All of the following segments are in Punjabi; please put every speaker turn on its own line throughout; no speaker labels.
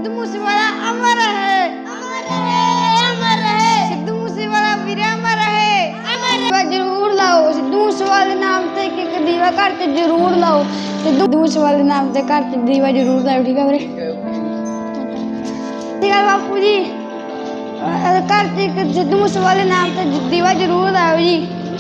सिद्धू मूसेवाला अमर है, अमर है, अमर है। सिद्धू मूसेवाला वीर अमर है, अमर। जरूर लाओ सिद्धू मूसेवाले नाम ते एक दीवा घर च जरूर लाओ। सिद्धू मूसेवाले नाम ते घर च दीवा जरूर लाओ। ठीक है वीरे, ठीक है बापू जी। घर च एक सिद्धू मूसेवाले नाम ते दीवा जरूर लाओ जी।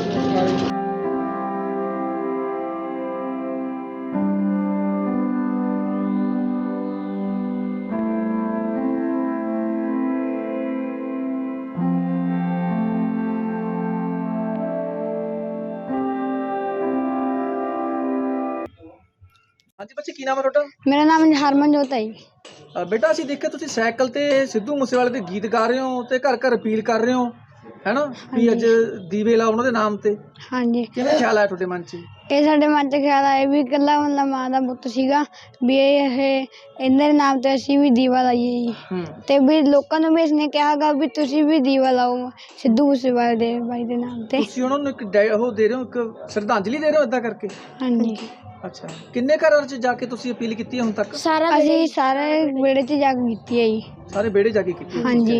ਹਾਂਜੀ ਬੱਚੇ, ਕੀ ਨਾਮ ਹੈ ਤੁਹਾਡਾ?
मेरा नाम हरमनजोत है जी।
ਬੇਟਾ ਅਸੀਂ ਦੇਖਿਆ ਤੁਸੀਂ ਸਾਈਕਲ ਤੇ ਸਿੱਧੂ ਮੂਸੇਵਾਲੇ ਦੇ ਗੀਤ ਗਾ ਰਹੇ ਹੋ ਤੇ ਘਰ ਘਰ ਅਪੀਲ ਕਰ ਰਹੇ ਹੋ, ਹੈਨਾ ਵੀ ਅੱਜ ਦੀਵੇ ਲਾਓ ਉਹਨਾਂ ਦੇ ਨਾਮ ਤੇ।
हाँ जी,
ਕਿਵੇਂ ਖਿਆਲ ਆਇਆ ਤੁਹਾਡੇ ਮਨ 'ਚ?
ਇਹ ਸਾਡੇ ਮਨ 'ਚ ਖਿਆਲ ਆਇਆ ਵੀ ਇਕੱਲਾ ਮਤਲਬ ਮਾਂ ਦਾ ਪੁੱਤ ਸੀਗਾ ਵੀ ਇਹ ਇਹਨਾਂ ਦੇ ਨਾਮ ਤੇ ਅਸੀਂ ਵੀ ਦੀਵਾ ਲਾਈਏ ਜੀ। ਤੇ ਵੀ ਲੋਕਾਂ ਨੂੰ ਵੀ ਇਸਨੇ ਕਿਹਾ ਗਾ ਵੀ ਤੁਸੀਂ ਵੀ ਦੀਵਾ ਲਾਓ ਸਿੱਧੂ ਮੂਸੇਵਾਲੇ ਦੇ ਬਾਈ ਦੇ ਨਾਮ ਤੇ।
ਤੁਸੀਂ ਉਹਨਾਂ ਨੂੰ ਇੱਕ ਉਹ ਦੇ ਰਹੇ ਹੋ, ਇੱਕ ਸ਼ਰਧਾਂਜਲੀ ਦੇ ਰਹੇ ਹੋ ਏਦਾਂ ਕਰਕੇ?
ਹਾਂਜੀ,
ਅੱਛਾ, ਕਿੰਨੇ ਘਰਾਂ 'ਚ ਜਾ ਕੇ ਤੁਸੀਂ ਅਪੀਲ ਕੀਤੀ ਹੈ ਹੁਣ ਤੱਕ?
ਅਸੀਂ ਸਾਰੇ ਵਿਹੜੇ 'ਚ ਜਾ ਕੇ ਕੀਤੀ ਹੈ ਜੀ।
ਸਾਰੇ ਵਿਹੜੇ ਜਾ ਕੇ ਕੀਤੀ ਹੈ?
ਹਾਂਜੀ,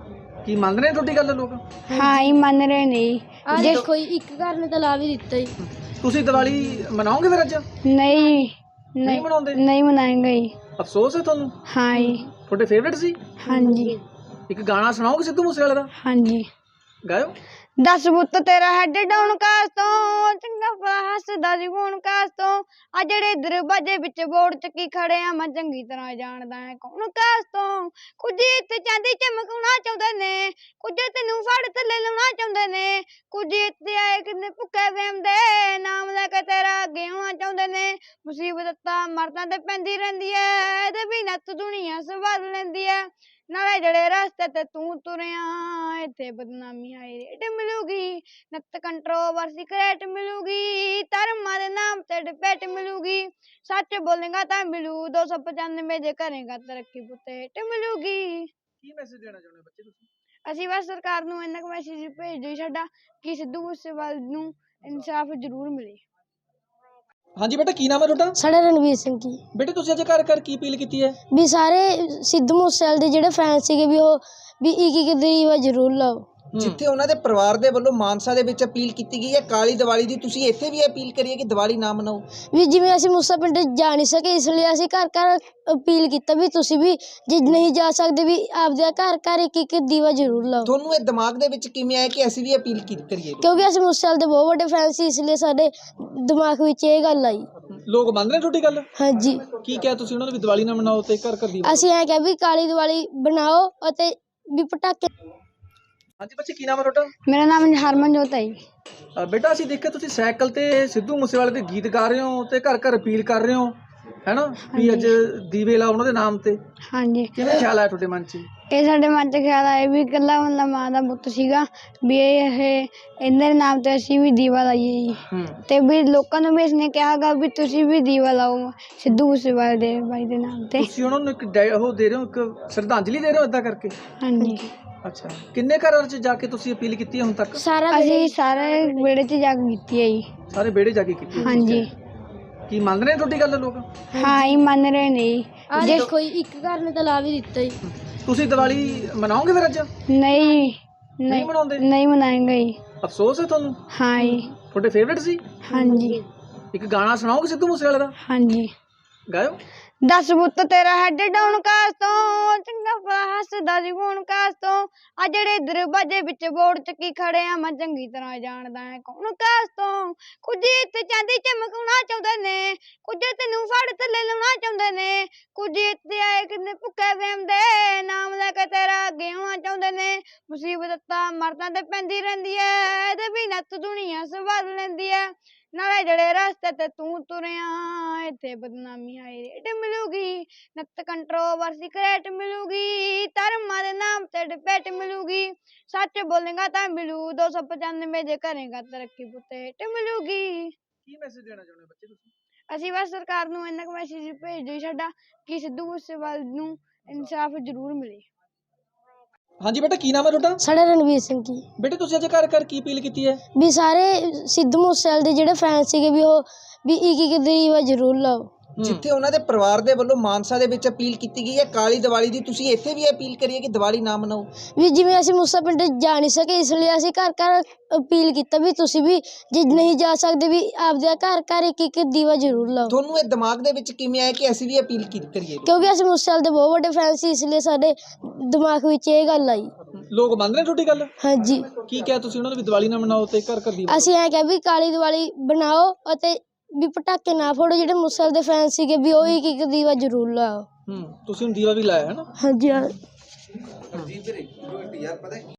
ਕੀ ਮੰਨਦੇ ਨੇ ਤੁਹਾਡੀ ਗੱਲ ਲੋਕ?
ਹਾਂ ਹੀ ਮੰਨ ਰਹੇ ਨੇ ਜੀ।
ਜੇ ਕੋਈ ਇੱਕ ਘਰ ਨੇ ਤਾਂ ਲਾ ਵੀ ਦਿੱਤਾ ਜੀ।
ਤੁਸੀਂ ਦੀਵਾਲੀ ਮਨਾਓਗੇ ਫਿਰ ਅੱਜ?
ਨਹੀਂ
ਨਹੀਂ ਮਨਾਉਂਦੇ?
ਨਹੀਂ ਮਨਾਏਂਗੇ ਜੀ।
ਅਫਸੋਸ ਹੈ ਤੁਹਾਨੂੰ?
ਹਾਂ ਜੀ,
ਤੁਹਾਡੇ ਫੇਵਰੇਟ ਸੀ?
ਹਾਂਜੀ,
ਇੱਕ ਗਾਣਾ ਸੁਣਾਓਗੇ ਸਿੱਧੂ ਮੂਸੇਵਾਲੇ ਦਾ?
ਹਾਂਜੀ।
ਗਾਇਓ।
10 ਪੁੱਤ ਤੇਰਾ ਹੈਡ ਡਾਊਨ ਕਾਸ ਤੋਂ, ਚੰਗਾ ਭਲਾ ਹੱਸਦਾ ਸੀ ਹੁਣ ਕਾਸ ਤੋਂ। ਆ ਜਿਹੜੇ ਦਰਵਾਜ਼ੇ ਵਿੱਚ ਬੋਰਡ ਚੱਕੀ ਖੜੇ ਆ ਮੈਂ ਚੰਗੀ ਤਰ੍ਹਾਂ ਜਾਣਦਾ ਹੈ ਕੌਣ ਕਾਸ ਤੋਂ। ਕੁਝ ਇੱਥੇ ਚਾਂਦੀ ਚਮਕਾਉਣਾ ਚਾਹੁੰਦੇ ਨੇ, ਕੁਝ ਤੈਨੂੰ ਫੜ ਥੱਲੇ ਲਾਉਣਾ ਚਾਹੁੰਦੇ ਨੇ, ਕੁਝ ਇੱਥੇ ਆਏ ਕਿੰਨੇ ਭੁੱਖੇ ਵੇਮ ਦੇ ਨਾਮ ਲੈ ਕੇ ਤੇਰਾ ਅੱਗੇ ਆਉਣਾ ਚਾਹੁੰਦੇ ਨੇ। ਮੁਸੀਬਤ ਤਾਂ ਮਰਦਾਂ ਤੇ ਪੈਂਦੀ ਰਹਿੰਦੀ ਐ, ਇਹਦੇ ਵੀ ਨੱਤ ਦੁਨੀਆ ਸਵਾਰ ਲੈਂਦੀ ਐ। ਨਾਲੇ ਜਿਹੜੇ ਰਸਤੇ ਤੇ ਤੂੰ ਤੁਰਿਆ ਇੱਥੇ ਬਦਨਾਮੀ ਆਈ ਰੇਟ ਮਿਲੂਗੀ, ਨੱਤ ਕੰਟਰੋਵਰਸੀ ਕਰੇਟ ਮਿਲੂਗੀ, ਧਰਮਾਂ ਦੇ ਨਾਮ ਤੇ ਡਿਬੇਟ ਮਿਲੂਗੀ। ਸੱਚ ਬੋਲੇਗਾ ਤਾਂ ਮਿਲੂ 295, ਜੇ ਕਰੇਗਾ ਤਰੱਕੀ ਪੁੱਤੇ ਹੇਠ ਮਿਲੂਗੀ।
ਕੀ ਮੈਸੇਜ ਦੇਣਾ ਚਾਹੁੰਦੇ ਬੱਚੇ ਤੁਸੀਂ?
ਅਸੀਂ ਬਸ ਸਰਕਾਰ ਨੂੰ ਇੰਨਾ ਕੁ ਮੈਸੇਜ ਭੇਜ ਦਿਓ ਸਾਡਾ ਕਿ ਸਿੱਧੂ ਮੂਸੇਵਾਲੇ ਨੂੰ ਇਨਸਾਫ ਜ਼ਰੂਰ ਮਿਲੇ।
ਹਾਂਜੀ ਬੇਟਾ, ਕੀ ਨਾਮ ਹੈ ਤੁਹਾਡਾ?
ਸਾਡਾ ਰਣਵੀਰ ਸਿੰਘ ਜੀ।
ਬੇਟੇ ਤੁਸੀਂ ਅੱਜ ਘਰ ਘਰ ਕੀ ਅਪੀਲ ਕੀਤੀ ਹੈ?
ਵੀ ਸਾਰੇ ਸਿੱਧੂ ਮੂਸੇਵਾਲੇ ਦੇ ਜਿਹੜੇ ਫੈਨ ਸੀਗੇ ਵੀ ਉਹ ਵੀ ਇੱਕ ਦੀਵਾ ਜ਼ਰੂਰ ਲਾਓ।
ਜਿੱਥੇ ਉਹਨਾਂ ਦੇ ਪਰਿਵਾਰ ਦੇ ਵੱਲੋਂ ਮਾਨਸਾ ਦੇ ਵਿੱਚ ਅਪੀਲ ਕੀਤੀ ਗਈ ਹੈ ਕਾਲੀ ਦੀਵਾਲੀ ਦੀ, ਤੁਸੀਂ ਇੱਥੇ ਵੀ ਅਪੀਲ ਕਰੀਏ ਕਿ ਦੀਵਾਲੀ ਨਾ ਮਨਾਓ।
ਵੀ ਜਿਵੇਂ ਅਸੀਂ ਮੂਸਾ ਪਿੰਡ ਜਾ ਨਹੀਂ ਸਕੇ ਇਸ ਲਈ ਅਸੀਂ ਘਰ ਘਰ ਅਪੀਲ ਕੀਤਾ ਵੀ ਤੁਸੀਂ ਵੀ ਜੇ ਨਹੀਂ ਜਾ ਸਕਦੇ ਵੀ ਆਪਦੇ ਘਰ ਘਰ ਇੱਕ ਦੀਵਾ ਜ਼ਰੂਰ ਲਾਓ।
ਤੁਹਾਨੂੰ ਇਹ ਦਿਮਾਗ ਦੇ ਵਿੱਚ ਕਿਵੇਂ ਆਇਆ ਕਿ ਅਸੀਂ ਵੀ ਅਪੀਲ ਕਰੀਏ?
ਕਿਉਂਕਿ ਅਸੀਂ ਮੂਸੇਵਾਲੇ ਦੇ ਬਹੁਤ ਵੱਡੇ ਫੈਨ ਸੀ, ਇਸ ਲਈ ਸਾਡੇ ਦਿਮਾਗ ਵਿੱਚ ਇਹ ਗੱਲ ਆਈ।
ਲੋਕ ਮੰਨਦੇ ਨੇ ਤੁਹਾਡੀ ਗੱਲ?
ਹਾਂਜੀ।
ਕੀ ਕਿਹਾ ਤੁਸੀਂ ਉਹਨਾਂ ਨੂੰ ਵੀ ਦੀਵਾਲੀ ਨਾ ਮਨਾਓ ਤੇ ਘਰ ਘਰ ਦੀਵਾ?
ਅਸੀਂ ਐਂ ਕਿਹਾ ਵੀ ਕਾਲੀ ਦੀਵਾਲੀ ਬਣਾਓ ਅਤੇ ਵੀ ਪਟਾਕੇ।
ਹਾਂਜੀ ਬੱਚੇ, ਕੀ ਨਾਮ ਹੈ ਤੁਹਾਡਾ?
ਮੇਰਾ ਨਾਮ ਹਰਮਨਜੋਤ ਹੈ ਜੀ।
ਬੇਟਾ ਅਸੀਂ ਦੇਖਿਆ ਤੁਸੀਂ ਸਾਈਕਲ ਤੇ ਸਿੱਧੂ ਮੂਸੇਵਾਲੇ ਦੇ ਗੀਤ ਗਾ ਰਹੇ ਹੋ ਤੇ ਘਰ ਘਰ ਅਪੀਲ ਕਰ ਰਹੇ ਹੋ, ਹੈਨਾ ਵੀ ਅੱਜ ਦੀਵੇ ਲਾਓ ਉਹਨਾਂ ਦੇ ਨਾਮ ਤੇ।
ਹਾਂਜੀ,
ਕਿਵੇਂ ਖਿਆਲ ਆਇਆ ਤੁਹਾਡੇ ਮਨ 'ਚ?
ਇਹ ਸਾਡੇ ਮਨ 'ਚ ਖਿਆਲ ਆਇਆ ਵੀ ਇਕੱਲਾ ਮਤਲਬ ਮਾਂ ਦਾ ਪੁੱਤ ਸੀਗਾ ਵੀ ਇਹ ਇਹਨਾਂ ਦੇ ਨਾਮ ਤੇ ਅਸੀਂ ਵੀ ਦੀਵਾ ਲਾਈਏ ਜੀ। ਤੇ ਵੀ ਲੋਕਾਂ ਨੂੰ ਵੀ ਇਸਨੇ ਕਿਹਾ ਗਾ ਵੀ ਤੁਸੀਂ ਵੀ ਦੀਵਾ ਲਾਓ ਸਿੱਧੂ ਮੂਸੇਵਾਲੇ ਦੇ ਬਾਈ ਦੇ ਨਾਮ ਤੇ।
ਤੁਸੀਂ ਉਹਨਾਂ ਨੂੰ ਇੱਕ ਉਹ ਦੇ ਰਹੇ ਹੋ, ਇੱਕ ਸ਼ਰਧਾਂਜਲੀ ਦੇ ਰਹੇ ਹੋ ਏਦਾਂ ਕਰਕੇ?
ਹਾਂਜੀ,
ਅੱਛਾ, ਕਿੰਨੇ ਘਰਾਂ 'ਚ ਜਾ ਕੇ ਤੁਸੀਂ ਅਪੀਲ ਕੀਤੀ ਹੈ ਹੁਣ ਤੱਕ?
ਅਸੀਂ ਸਾਰੇ ਵਿਹੜੇ 'ਚ ਜਾ ਕੇ ਕੀਤੀ ਹੈ ਜੀ।
ਸਾਰੇ ਵਿਹੜੇ ਜਾ ਕੇ ਕੀਤੀ ਹੈ?
ਹਾਂਜੀ,
ਕੀ ਮੰਨਦੇ ਨੇ ਤੁਹਾਡੀ ਗੱਲ ਲੋਕ?
ਹਾਂ ਹੀ ਮੰਨ ਰਹੇ ਨੇ ਜੀ।
ਜੇ ਕੋਈ ਇੱਕ ਘਰ ਨੇ ਤਾਂ ਲਾ ਵੀ ਦਿੱਤਾ ਜੀ।
ਤੁਸੀਂ ਦੀਵਾਲੀ ਮਨਾਓਗੇ ਫਿਰ ਅੱਜ?
ਨਹੀਂ
ਨਹੀਂ ਮਨਾਉਂਦੇ?
ਨਹੀਂ ਮਨਾਏਂਗੇ ਜੀ।
ਅਫਸੋਸ ਹੈ ਤੁਹਾਨੂੰ?
ਹਾਂ ਜੀ,
ਤੁਹਾਡੇ ਫੇਵਰੇਟ ਸੀ?
ਹਾਂਜੀ,
ਇੱਕ ਗਾਣਾ ਸੁਣਾਓਗੇ ਸਿੱਧੂ ਮੂਸੇਵਾਲੇ ਦਾ?
ਹਾਂਜੀ।
ਗਾਇਓ।
10 ਪੁੱਤ ਤੇਰਾ ਹੈਡ ਡਾਊਨ ਕਾਸ ਤੋਂ, ਚੰਗਾ ਭਲਾ ਹੱਸਦਾ ਸੀ ਹੁਣ ਕਾਸ ਤੋਂ। ਆ ਜਿਹੜੇ ਦਰਵਾਜ਼ੇ ਵਿੱਚ ਬੋਰਡ ਚੱਕੀ ਖੜੇ ਆ ਮੈਂ ਚੰਗੀ ਤਰ੍ਹਾਂ ਜਾਣਦਾ ਹੈ ਕੌਣ ਕਾਸ ਤੋਂ। ਕੁਝ ਇੱਥੇ ਚਾਂਦੀ ਚਮਕਾਉਣਾ ਚਾਹੁੰਦੇ ਨੇ, ਕੁਝ ਤੈਨੂੰ ਫੜ ਥੱਲੇ ਲਾਉਣਾ ਚਾਹੁੰਦੇ ਨੇ, ਕੁਝ ਇੱਥੇ ਆਏ ਕਿੰਨੇ ਭੁੱਖੇ ਵੇਮ ਦੇ ਨਾਮ ਲੈ ਕੇ ਤੇਰਾ ਅੱਗੇ ਆਉਣਾ ਚਾਹੁੰਦੇ ਨੇ। ਮੁਸੀਬਤ ਤਾਂ ਮਰਦਾਂ ਤੇ ਪੈਂਦੀ ਰਹਿੰਦੀ ਐ, ਇਹਦੇ ਵੀ ਨੱਤ ਦੁਨੀਆ ਸਵਾਰ ਲੈਂਦੀ ਐ। ਨਾਲੇ ਜਿਹੜੇ ਰਸਤੇ ਤੇ ਤੂੰ ਤੁਰਿਆ ਇੱਥੇ ਬਦਨਾਮੀ ਆਈ ਰੇਟ ਮਿਲੂਗੀ, ਨੱਤ ਕੰਟਰੋਵਰਸੀ ਕਰੇਟ ਮਿਲੂਗੀ, ਧਰਮਾਂ ਦੇ ਨਾਮ ਤੇ ਡਿਬੇਟ ਮਿਲੂਗੀ। ਸੱਚ ਬੋਲੇਗਾ ਤਾਂ ਮਿਲੂ 295, ਜੇ ਕਰੇਗਾ ਤਰੱਕੀ ਪੁੱਤੇ ਹੇਠ ਮਿਲੂਗੀ।
ਕੀ ਮੈਸੇਜ ਦੇਣਾ ਚਾਹੁੰਦੇ ਬੱਚੇ ਤੁਸੀਂ?
ਅਸੀਂ ਬਸ ਸਰਕਾਰ ਨੂੰ ਇੰਨਾ ਕੁ ਮੈਸੇਜ ਭੇਜ ਦਿਓ ਸਾਡਾ ਕਿ ਸਿੱਧੂ ਮੂਸੇਵਾਲੇ ਨੂੰ ਇਨਸਾਫ ਜ਼ਰੂਰ ਮਿਲੇ।
ਹਾਂਜੀ ਬੇਟਾ, ਕੀ ਨਾਮ ਹੈ ਤੁਹਾਡਾ?
ਸਾਡਾ ਰਣਵੀਰ ਸਿੰਘ ਜੀ।
ਬੇਟੇ ਤੁਸੀਂ ਅੱਜ ਘਰ ਘਰ ਕੀ ਅਪੀਲ ਕੀਤੀ ਹੈ?
ਵੀ ਸਾਰੇ ਸਿੱਧੂ ਮੂਸੇਵਾਲੇ ਦੇ ਜਿਹੜੇ ਫੈਨ ਸੀਗੇ ਵੀ ਉਹ ਵੀ ਇੱਕ ਦੀਵਾ ਜ਼ਰੂਰ ਲਾਓ।
ਜਿੱਥੇ ਉਹਨਾਂ ਦੇ ਪਰਿਵਾਰ ਦੇ ਵੱਲੋਂ ਮਾਨਸਾ ਦੇ ਵਿੱਚ ਅਪੀਲ ਕੀਤੀ ਗਈ ਹੈ ਕਾਲੀ ਦੀਵਾਲੀ ਦੀ, ਤੁਸੀਂ ਇੱਥੇ ਵੀ ਅਪੀਲ ਕਰੀਏ ਕਿ ਦੀਵਾਲੀ ਨਾ ਮਨਾਓ।
ਵੀ ਜਿਵੇਂ ਅਸੀਂ ਮੂਸਾ ਪਿੰਡ ਜਾ ਨਹੀਂ ਸਕੇ ਇਸ ਲਈ ਅਸੀਂ ਘਰ ਘਰ ਅਪੀਲ ਕੀਤਾ ਵੀ ਤੁਸੀਂ ਵੀ ਜੇ ਨਹੀਂ ਜਾ ਸਕਦੇ ਵੀ ਆਪਦੇ ਘਰ ਘਰ ਇੱਕ ਇੱਕ ਦੀਵਾ ਜ਼ਰੂਰ ਲਾਓ।
ਤੁਹਾਨੂੰ ਇਹ ਦਿਮਾਗ ਦੇ ਵਿੱਚ ਕਿਵੇਂ ਆਇਆ ਕਿ ਅਸੀਂ ਵੀ ਅਪੀਲ ਕਰੀਏ?
ਕਿਉਂਕਿ ਅਸੀਂ ਮੂਸੇ ਵਾਲੇ ਦੇ ਬਹੁਤ ਵੱਡੇ ਫੈਨ ਸੀ, ਇਸ ਲਈ ਸਾਡੇ ਦਿਮਾਗ ਵਿੱਚ ਇਹ ਗੱਲ ਆਈ।
ਲੋਕ ਮੰਨ ਰਹੇ ਤੁਹਾਡੀ ਗੱਲ?
ਹਾਂਜੀ,
ਕੀ ਕਿਹਾ ਤੁਸੀਂ ਉਹਨਾਂ ਨੂੰ ਵੀ ਦੀਵਾਲੀ ਨਾ ਮਨਾਓ ਤੇ ਘਰ ਘਰ ਦੀਵਾ?
ਅਸੀਂ ਐਂ ਕਿਹਾ ਵੀ ਕਾਲੀ ਦੀਵਾਲੀ ਬਣਾਓ ਅਤੇ ਵੀ ਪਟਾਕੇ ਨਾ ਫੋੜੋ। ਜਿਹੜੇ ਮੂਸੇ ਵਾਲੇ ਦੇ ਫੈਨ ਸੀਗੇ ਵੀ ਉਹ ਇੱਕ ਇੱਕ ਦੀਵਾ ਜ਼ਰੂਰ ਲਾਓ।
ਤੁਸੀਂ ਹੁਣ ਦੀਵਾ ਵੀ ਲਾਇਆ ਹੈ ਨਾ?
ਹਾਂਜੀ।